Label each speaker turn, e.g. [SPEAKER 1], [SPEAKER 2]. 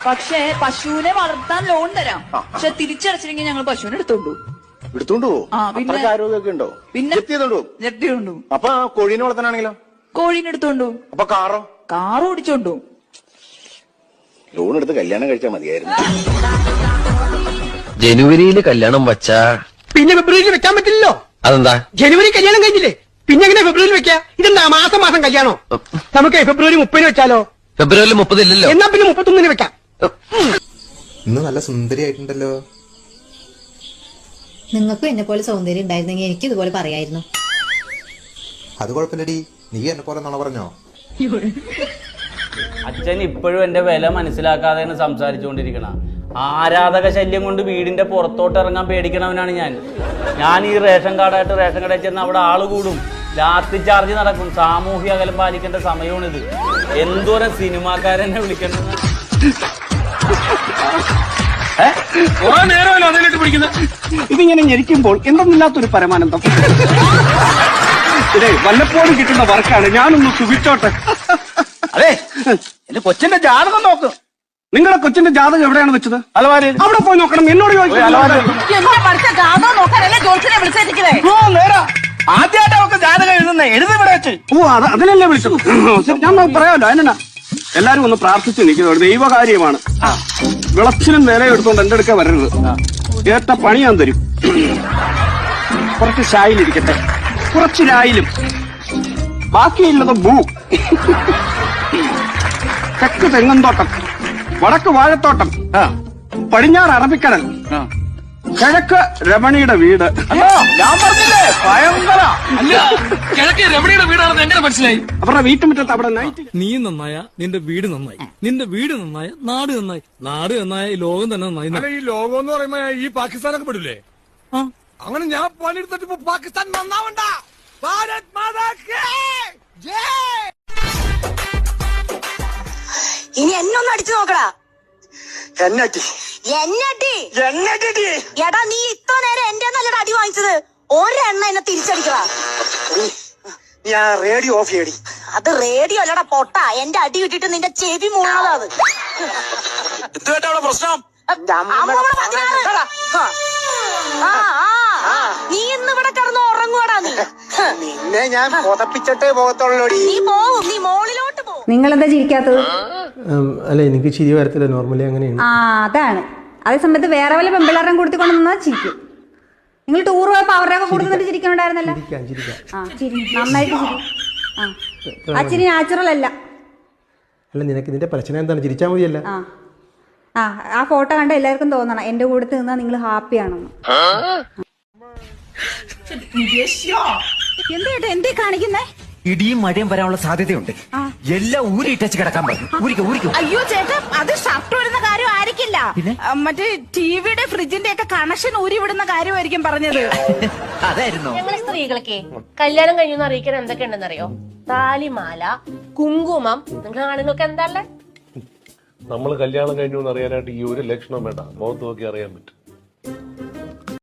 [SPEAKER 1] പക്ഷെ പശുവിനെ വളർത്താൻ ലോൺ തരാം. പക്ഷെ തിരിച്ചടച്ചില്ലെങ്കിൽ ഞങ്ങൾ പശുവിനെ
[SPEAKER 2] എടുത്തോണ്ടു
[SPEAKER 1] പിന്നെ
[SPEAKER 2] ആരോഗ്യമൊക്കെ ഉണ്ടോ?
[SPEAKER 1] പിന്നെ ജപ്തി കൊണ്ടു.
[SPEAKER 2] അപ്പൊ കോഴീനെ വളർത്താനാണെങ്കിലോ?
[SPEAKER 1] കോഴീനെ എടുത്തോണ്ടു.
[SPEAKER 2] അപ്പൊ
[SPEAKER 1] കാർ ഓടിച്ചോണ്ടു.
[SPEAKER 2] ലോൺ എടുത്ത് കല്യാണം കഴിച്ചാൽ മതിയായിരുന്നു.
[SPEAKER 3] ജനുവരിയിൽ കല്യാണം വച്ചാ
[SPEAKER 4] പിന്നെ ഫെബ്രുവരിയിൽ വെക്കാൻ പറ്റില്ലല്ലോ.
[SPEAKER 3] അതെന്താ?
[SPEAKER 4] ജനുവരി കല്യാണം കഴിഞ്ഞില്ലേ, പിന്നെ എങ്ങനെ ഫെബ്രുവരിയിൽ വെക്കാ? ഇതെന്താ മാസം മാസം കല്യാണോ? നമുക്ക് ഫെബ്രുവരി 30 വെച്ചാലോ?
[SPEAKER 3] ഫെബ്രുവരി 30 ഇല്ലല്ലോ.
[SPEAKER 4] എന്നാ പിന്നെ 31 വെക്കാം.
[SPEAKER 5] ഇന്ന് നല്ല സുന്ദരിയായിട്ടുണ്ടല്ലോ.
[SPEAKER 6] നിങ്ങൾക്കും എന്നെ പോലെ സൗന്ദര്യം ഉണ്ടായിരുന്നെങ്കിൽ എനിക്ക് ഇതുപോലെ പറയായിരുന്നു.
[SPEAKER 5] അത് കുഴപ്പമില്ലടി, നീ എന്നെ പോലെ നുണ പറഞ്ഞോ?
[SPEAKER 7] അച്ഛൻ ഇപ്പോഴും എന്റെ വില മനസ്സിലാക്കാതെയാണ് സംസാരിച്ചുകൊണ്ടിരിക്കണ. ആരാധക ശല്യം കൊണ്ട് വീടിന്റെ പുറത്തോട്ട് ഇറങ്ങാൻ പേടിക്കണവനാണ് ഞാൻ ഈ റേഷൻ കാർഡായിട്ട് റേഷൻ കടയിൽ ചെന്ന് അവിടെ ആള് കൂടും, ലാത്തി ചാർജ് നടക്കും. സാമൂഹ്യ അകലം പാലിക്കേണ്ട സമയമാണിത്. എന്തോരം സിനിമാക്കാരെന്നെ വിളിക്കണം.
[SPEAKER 4] ഇതിങ്ങനെ ഞെരിക്കുമ്പോൾ എന്തെന്നില്ലാത്തൊരു പരമാനന്ദം. ഇതേ വല്ലപ്പോഴും കിട്ടുന്ന വർക്കാണ്. ഞാനൊന്ന് സുഖിച്ചോട്ടെ. അതെ, എന്റെ കൊച്ചിന്റെ ജാതകം നോക്ക്. നിങ്ങളുടെ കൊച്ചിന്റെ ജാതകം എവിടെയാണ് വെച്ചത്? അലമാരയിൽ. അവിടെ പോയി നോക്കണം. എന്നോട് ആദ്യമായിട്ട് അവർക്ക് ജാതകം എഴുതി വെച്ച്. ഓ, അതിനല്ലേ വിളിച്ചത്. ഞാൻ പറയാമല്ലോ. അതിനാ എല്ലാരും ഒന്ന് പ്രാർത്ഥിച്ച് നിൽക്കുന്നത് ദൈവകാര്യമാണ്. വിളച്ചിനും നേരെ എടുത്തോണ്ട് എന്റെ അടുക്ക വരരുത്. ഏറ്റ പണി ഞാൻ തരും. കുറച്ച് ഷായിലിരിക്കട്ടെ, കുറച്ച് രായിലും, ബാക്കിയില്ലത് ഭൂ. തെക്ക് തെങ്ങന്തോട്ടം, വടക്ക് വാഴത്തോട്ടം, പടിഞ്ഞാറ് അറബിക്കടൽ, കിഴക്ക് രമണിയുടെ വീട്. ഞാൻ പറഞ്ഞില്ലേ ഭയങ്കര.
[SPEAKER 8] കിഴക്ക് രമണിയുടെ വീടാണെന്ന് എങ്ങനെ മനസ്സിലായി?
[SPEAKER 4] അവരുടെ വീട്ടുമുറ്റത്ത് അവിടെ നൈറ്റ്.
[SPEAKER 8] നീ നന്നായ നിന്റെ വീട് നന്നായി, നിന്റെ വീട് നന്നായ നാട് നന്നായി, നാട് നന്നായ ഈ ലോകം തന്നെ നന്നായി. ഈ ലോകം എന്ന് പറയുമ്പോ ഈ പാകിസ്ഥാനൊക്കെ പെടില്ലേ? അങ്ങനെ ഞാൻ പണിയെടുത്തിട്ട് ഇപ്പൊ പാകിസ്ഥാൻ നന്നാവണ്ട. ഭാരത് മാതാ കി ജയ്.
[SPEAKER 9] ഇനി എന്നൊന്ന് അടിച്ചു നോക്കടാ.
[SPEAKER 4] എന്നടി
[SPEAKER 9] എടാ, നീ ഇത്ര നേരം എന്റെ നല്ലൊരു അടി വാങ്ങിച്ചത്. ഒരെണ്ണ എന്നെ തിരിച്ചടിക്കടാ.
[SPEAKER 4] ഞാൻ റേഡിയോ ഓഫ് ചെയ്യടി.
[SPEAKER 9] അത് റേഡിയോ അല്ലടാ പൊട്ട. എന്റെ അടി കിട്ടിട്ട് നിന്റെ ചെവി മൂണതാ. അത്
[SPEAKER 8] എന്തുവേട്ടാ പ്രശ്നം?
[SPEAKER 9] നീ ഇന്ന് ഇവിടെ കിടന്ന് ഉറങ്ങുവാടാ.
[SPEAKER 4] നിന്നെ ഞാൻ പുതപ്പിച്ചിട്ടേ പോകത്തുള്ളൂടി.
[SPEAKER 9] നീ പോവും, നീ മോളിലോട്ട് പോവും.
[SPEAKER 6] നിങ്ങളെന്താ ചിരിക്കാത്തത്?
[SPEAKER 10] അല്ല, എനിക്ക് ചിരി വരത്തില്ല, നോർമലി അങ്ങനെയാണ്.
[SPEAKER 6] അതാണ്. അതേ സമയത്ത് വേറെ വല്ല പെമ്പിളാരം കൊടുത്തിക്കൊണ്ട് നിന്നാ ചിരിക്കും. നിങ്ങൾ ടൂർ പോയപ്പോ അവരുടെയൊക്കെ കൊടുത്തിട്ട് ചിരിക്കണുണ്ടായിരുന്നല്ലോ. നന്നായിട്ട് ചിരി. ആ ചിരി നാച്ചുറൽ അല്ല.
[SPEAKER 10] അല്ല, നിനക്ക് ഇതിന്റെ പ്രശ്നം എന്താണ്? ചിരിച്ചാൽ മതിയല്ല.
[SPEAKER 6] ആ ഫോട്ടോ കണ്ട എല്ലാവർക്കും തോന്നണം എന്റെ കൂടെ നിന്നാ നിങ്ങൾ ഹാപ്പിയാണെന്ന്. എന്താ എന്തേ കാണിക്കുന്നേ?
[SPEAKER 3] ഇടിയും മഴയും വരാനുള്ള സാധ്യതയുണ്ട്. എല്ലാം ഊരിട്ടച്ച് കിടക്കാൻ പറ്റും.
[SPEAKER 1] അയ്യോ ചേട്ടാ, അത് ഷർട്ട് വരുന്ന കാര്യം ആയിരിക്കില്ല. മറ്റേ ടിവിയുടെ ഫ്രിഡ്ജിന്റെ ഒക്കെ കണക്ഷൻ ഊരി വിടുന്ന കാര്യമായിരിക്കും പറഞ്ഞത്.
[SPEAKER 3] അതായിരുന്നു.
[SPEAKER 11] ഞങ്ങള് സ്ത്രീകൾക്ക് കല്യാണം കഴിഞ്ഞു അറിയിക്കാൻ എന്തൊക്കെ ഉണ്ടെന്നറിയോ? താലിമാല, കുങ്കുമം. നിങ്ങൾ ആണുങ്ങൾക്ക് എന്താല്ലേ?
[SPEAKER 12] നമ്മൾ കല്യാണം കഴിഞ്ഞു എന്ന് അറിയാനായിട്ട് ഈ ഒരു ലക്ഷണം വേണ്ട, മുഖത്ത് നോക്കി അറിയാൻ പറ്റും.